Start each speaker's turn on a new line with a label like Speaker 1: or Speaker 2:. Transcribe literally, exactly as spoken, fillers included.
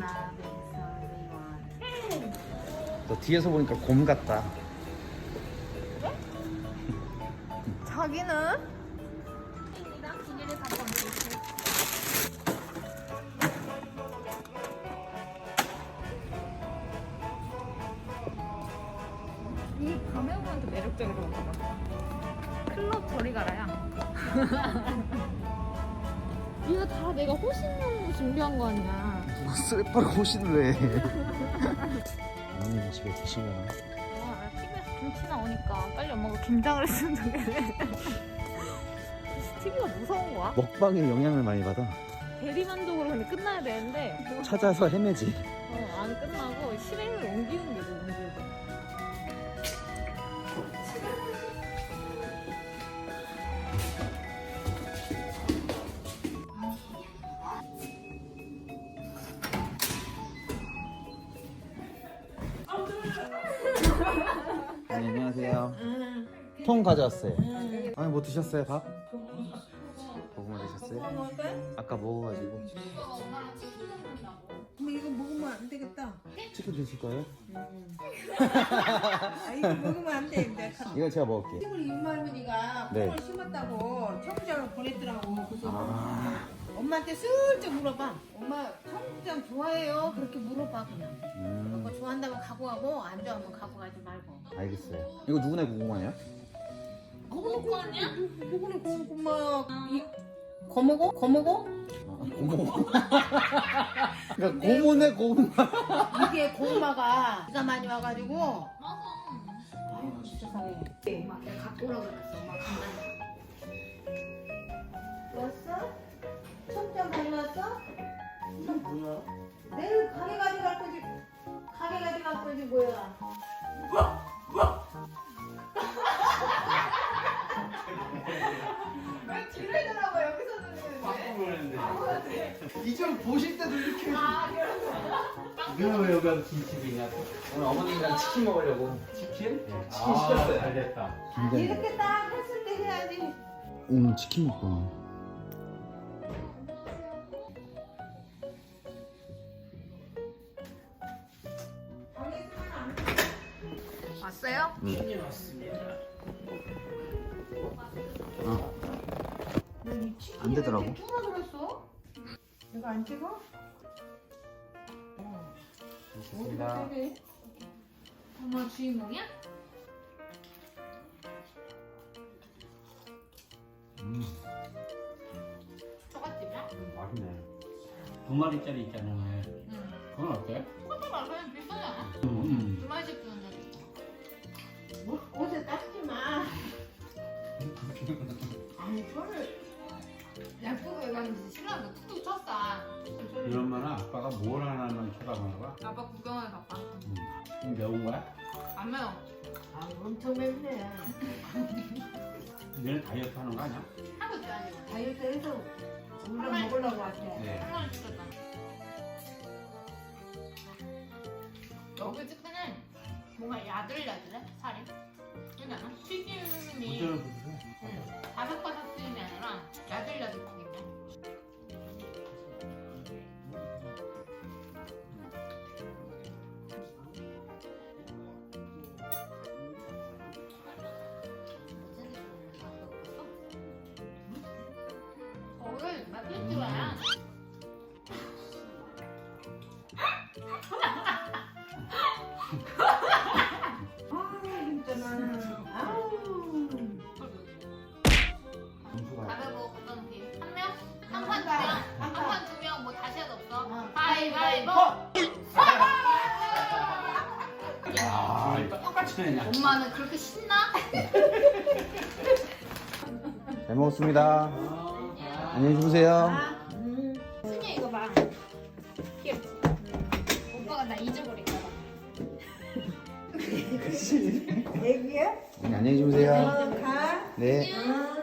Speaker 1: 너 뒤에서 보니까 곰 같다.
Speaker 2: 자기는? 이 가메오한테 매력적이라고 하더라. 클럽 저리 가라야. 이거 다 내가 호신용으로 준비한 거 아니야.
Speaker 1: 누가 쇠파로 호신을 해. 어머님 집에 계시려나?
Speaker 2: 아, 티비에서 김치 나오니까 빨리 엄마가 김장을 했으면 좋겠네. 티비가 무서운 거야?
Speaker 1: 먹방에 영향을 많이 받아.
Speaker 2: 대리만족으로 근데 끝나야 되는데
Speaker 1: 찾아서 헤매지.
Speaker 2: 어, 안 끝나고 실행을 옮기는 게 너무 힘들어.
Speaker 1: 네, 안녕하세요. 통 가져왔어요. 아니 뭐 드셨어요? 밥? 고구마 드셨어요? 아까 먹어가지고.
Speaker 3: 근데 이거 먹으면 안 되겠다.
Speaker 1: 치킨 드실 거예요?
Speaker 3: 아 이거 먹으면 안 돼. 이제
Speaker 1: 이거 제가 먹을게요.
Speaker 3: 콩을 윤마 할머니가
Speaker 1: 네.
Speaker 3: 콩을 심었다고 청국장을 보냈더라고. 그래서
Speaker 1: 아,
Speaker 3: 엄마한테 슬쩍 물어봐. 엄마 청국장 좋아해요? 그렇게 물어봐 그냥.
Speaker 1: 음,
Speaker 3: 그거 좋아한다면 갖고 가고 안 좋아하면 갖고 가지 말고.
Speaker 1: 알겠어요. 이거 누구네 고구마예요?
Speaker 3: 고모고 아니야? 누구는 고모고마 이 고모고? 고모고?
Speaker 1: 아, 고모. 그러니까 고모네 고구마.
Speaker 3: 이게 고구마가 비가 많이 와가지고. 아유 진짜 상해. 엄마 내가 갖고 오라고 그랬어. 엄마 간다. 왔어? 청장 가져왔어?
Speaker 1: 뭐야?
Speaker 3: 내일 가게 가져갈 거지. 가게 가져갈 거지 뭐야? 왜 뒤를 돌아봐 여기서 들리는데?
Speaker 1: 이전 보실 때도 이렇게.
Speaker 3: 아 그래서.
Speaker 4: 왜 여기 와서 김치빙이야?
Speaker 1: 오늘 어머님이랑 치킨 먹으려고.
Speaker 4: 치킨?
Speaker 1: 치킨
Speaker 4: 아,
Speaker 1: 시켰어요.
Speaker 4: 잘 됐다.
Speaker 3: 아, 이렇게 딱 했을 때 해야지.
Speaker 1: 오늘 치킨 먹고.
Speaker 2: 왔어요?
Speaker 4: 치킨이 왔습니다.
Speaker 1: 어. 안 되더라고.
Speaker 3: 누가 그랬어? 내가 안 찍어?
Speaker 4: 좋습니다.
Speaker 2: 엄마 주인공이야?
Speaker 1: 음.
Speaker 2: 초가집이야?
Speaker 4: 맛있네. 두 마리짜리 있잖아.
Speaker 2: 응.
Speaker 4: 그건 어때?
Speaker 2: 그것도 말하면 비싸잖아.
Speaker 4: 음.
Speaker 2: 두 마리씩 주는데.
Speaker 3: 뭐, 옷에 닦지 마. 아니 저를
Speaker 2: 예쁘게 해가지고 신랑도 툭툭 쳤어.
Speaker 4: 이런 말은 아빠가 뭘 하나만 쳐다보나 봐.
Speaker 2: 아빠 구경하러 가봐.
Speaker 4: 음. 좀 매운 거야?
Speaker 2: 안 매워.
Speaker 3: 아 엄청 맵네.
Speaker 4: 너는 다이어트 하는 거 아니야?
Speaker 2: 하고 있어야지.
Speaker 3: 다이어트 해서 우리랑 먹으려고 왔대.
Speaker 4: 네.
Speaker 2: 한 마리 시켰다. 여기 치킨은 뭔가 야들야들해 살이. 그렇지 않아? 튀김이
Speaker 4: 부들부들해.
Speaker 2: 응, 바삭바삭 튀김이 아니라 야들야들 튀김이야. 거울 맛있지 마야.
Speaker 3: 아 진짜는 아우.
Speaker 1: 점수가.
Speaker 2: 가위바위보 어떤 팀? 한 명? 한 판 두 명? 한 판 두 명 뭐 다시 해도 없어?
Speaker 3: 어.
Speaker 2: 가위바위보!
Speaker 4: 아, 똑같이 내냐?
Speaker 2: 엄마는 그렇게 신나?
Speaker 1: 잘 먹었습니다. 안녕히 주무세요.
Speaker 3: 음.
Speaker 2: 승희 이거 봐. 귀엽지? 오빠가 나 잊어버릴까 봐.
Speaker 1: 그치.
Speaker 3: 애기야?
Speaker 1: 안녕히 주무세요.
Speaker 3: 어, 가.
Speaker 1: 네.
Speaker 3: 응.